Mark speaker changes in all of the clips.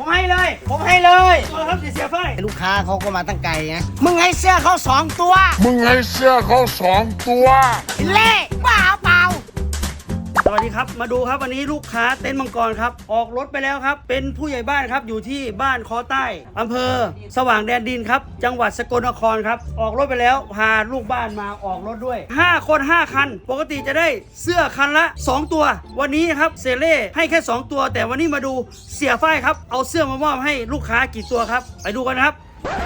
Speaker 1: ผมให้เลยครับเสียไฟลูกค้าเขาก็มาตั้งไกลไงมึงให้เสื้อเขา2 ตัวเล่บ้าเปล่าสวัสดีครับมาดูครับวันนี้ลูกค้าเต็นท์มังกรครับออกรถไปแล้วครับเป็นผู้ใหญ่บ้านครับอยู่ที่บ้านคอใต้อำเภอสว่างแดนดินครับจังหวัดสกลนครครับออกรถไปแล้วพาลูกบ้านมาออกรถด้วย5 คน 5 คันปกติจะได้เสื้อคันละ2 ตัววันนี้ครับเซเล่ให้แค่2 ตัวแต่วันนี้มาดูเสียฝ้ายครับเอาเสื้อมามอบให้ลูกค้ากี่ตัวครับไปดูกันครับ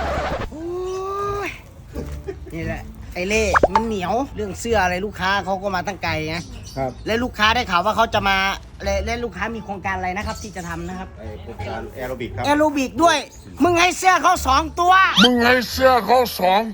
Speaker 1: นี่แหละไอเล่มันเหนียวเรื่องเสื้ออะไรลูกค้าเขาก็มาตั้งไกลนะครับและลูกค้าได้ข่าวว่าเขาจะมาและลูกค้ามีโครงการอะไรนะครับที่จะทำนะครับ
Speaker 2: โครงการแอโรบิกครับ
Speaker 1: แอโรบิกด้วยมึงให้เสื้อเขา2 ตัวเล่บ้าเปล่า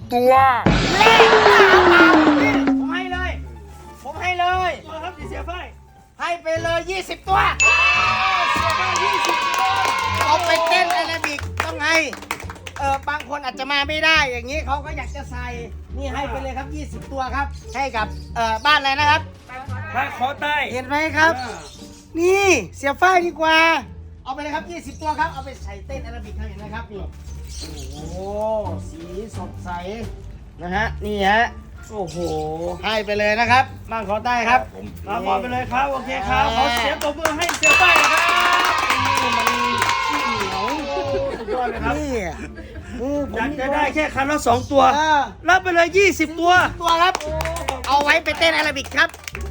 Speaker 1: ผมให้เลยครับเสียไฟให้ไปเลย20 ตัวเสียไฟ20 ตัวเอาไปเต้นแอโรบิกต้องให้บางคนอาจจะมาไม่ได้อย่างนี้เขาก็อยากจะใส่นี่ให้ไปเลยครับ20 ตัวครับให้กับบ้านอะไรนะครับบ้านขอใต้เห็นไหมครับนี่เสียฝ้ายดีกว่าเอาไปเลยครับ20 ตัวครับเอาไปใส่เต้นแอโรบิกครับเห็นไหมครับนี่โอ้โหสีสดใสนะฮะนี่ฮะโอ้โหให้ไปเลยนะครับบ้านขอใต้ครับมาขอไปเลยครับโอเคครับขอเสียงปรบมือให้เสียฝ้ายนะครับนี่มันขี้เหนียวสุดยอดเลยครับนี่อยากจะได้แค่คันละ2 ตัวรับไปเลย20 ตัวครับเอาไว้ไปเต้นแอโรบิกครับ